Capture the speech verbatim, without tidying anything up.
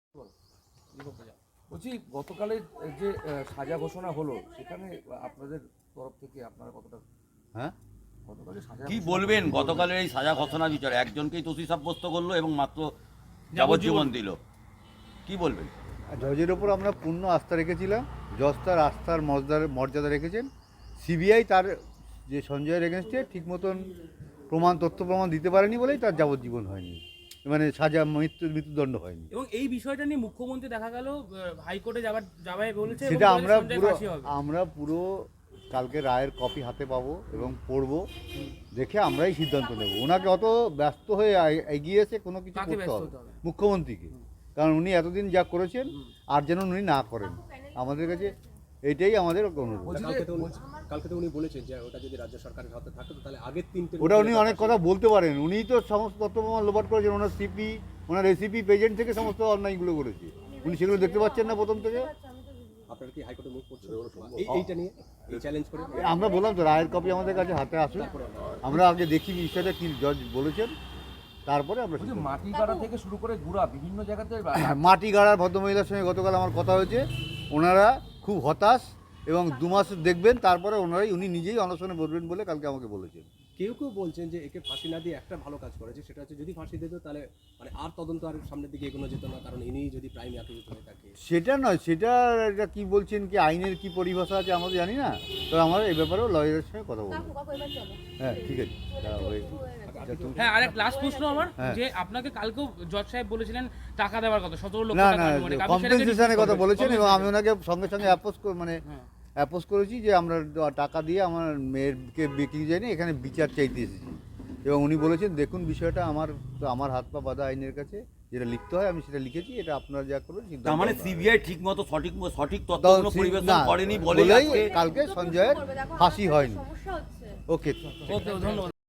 বলছি গতকালের যে সাজা ঘোষণা হলো সেখানে আপনাদের তরফ থেকে আপনারা কতটা হ্যাঁ গতকালের সাজা কি বলবেন? গতকালের এই সাজা ঘোষণা বিচার একজনকেই দোষী সাব্যস্ত করলো এবং মাত্র যাবজ্জীবন দিল, কি বলবেন? জজের ওপর আমরা পূর্ণ আস্থা রেখেছিলাম। জজ তার আস্থার মর্যাদা মর্যাদা রেখেছেন। সিবিআই তার যে সঞ্জয়ের এগেনস্টে ঠিক মতন প্রমাণ তথ্য প্রমাণ দিতে পারেনি বলেই তার যাবজ্জীবন হয়নি, মানে সাজা মৃত্যু মৃত্যুদণ্ড হয়নি। এবং এই বিষয়টা নিয়ে মুখ্যমন্ত্রী দেখা গেল হাইকোর্টে যাবার যাবাই বলেছে, সেটা আমরা পুরো আমরা পুরো কালকে রায়ের কপি হাতে পাবো এবং পড়বো, দেখে আমরাই সিদ্ধান্ত নেব। ওনাকে অত ব্যস্ত হয়ে এগিয়ে এসে কোনো কিছু করতে হবে মুখ্যমন্ত্রীকে, কারণ উনি এতদিন যা করেছেন আর যেন উনি না করেন। আমাদের কাছে এইটাই আমাদের অনুরোধ। কালকে তো উনি বলেছেন যে ওটা যদি রাজ্য সরকারের হাতে থাকতো তাহলে আগের তিনটে ওটা উনি অনেক কথা বলতে পারেন। উনিই তো সমস্ত তথ্য প্রমাণ লোপাট করেছেন। ওনার সিপি ওনার এসিপি পেজেন্ট থেকে সমস্ত অন্যায়গুলো করেছে। উনি সেগুলো দেখতে পাচ্ছেন না প্রথম থেকে। আপনারা কি হাইকোর্টে মুভ করছেন এইটা নিয়ে, এই চ্যালেঞ্জ করে? আমরা বললাম তো রায়ের কপি আমাদের কাছে হাতে আসুন, আমরা আগে দেখি বিষয়টা কি জজ বলেছেন, তারপরে আমরা মাটি গাড়া থেকে শুরু করে গুড়া বিভিন্ন জায়গাতে মাটি গাড়ার ভদ্রমহিলার সঙ্গে গতকাল আমার কথা হয়েছে। ওনারা খুব হতাশ এবং দু মাস দেখবেন, তারপরে ওনারাই উনি নিজেই অনশনে বসবেন বলে কালকে আমাকে বলেছেন। কেউ কেউ বলছেন যে একে ফাঁসি না দিয়ে একটা ভালো কাজ করেছে, সেটা হচ্ছে যদি ফাঁসি দিত তাহলে মানে আর তদন্ত আর সামনের দিকে এগোনো যেত না, কারণ ইনি যদি প্রাইম অ্যাকিউজড হয়ে থাকে। সেটা নয়, সেটা এটা কি বলছেন, কি আইনের কি পরিভাষা আছে আমরা জানি না, তো আমরা এই ব্যাপারেও লয়ারের সঙ্গে কথা বলবো। হ্যাঁ ঠিক আছে। হ্যাঁ, আরেক লাস্ট প্রশ্ন আমার, যে আপনাকে কালকেও জজ সাহেব বলেছিলেন টাকা দেওয়ার কথা, সতেরো লক্ষ না টাকা, না মানে কম্পেনসেশনের কথা বলেছেন এবং আমি ওনাকে সঙ্গে সঙ্গে অ্যাপোজ মানে অ্যাপোজ করেছি যে আমরা টাকা দিয়ে আমার মেয়েরকে বিক্রি যায়নি, এখানে বিচার চাইতে এসেছি। এবং উনি বলেছেন দেখুন বিষয়টা আমার তো আমার হাত পা বাঁধা আইনের কাছে, যেটা লিখতে হয় আমি সেটা লিখেছি, এটা আপনারা যা করবেন। তার মানে সিবিআই ঠিকমতো সঠিক সঠিক তথ্যগুলো পরিবেশন করেনি বলেই কালকে সঞ্জয়ের ফাঁসি হয়নি। ওকে, ওকে, ধন্যবাদ।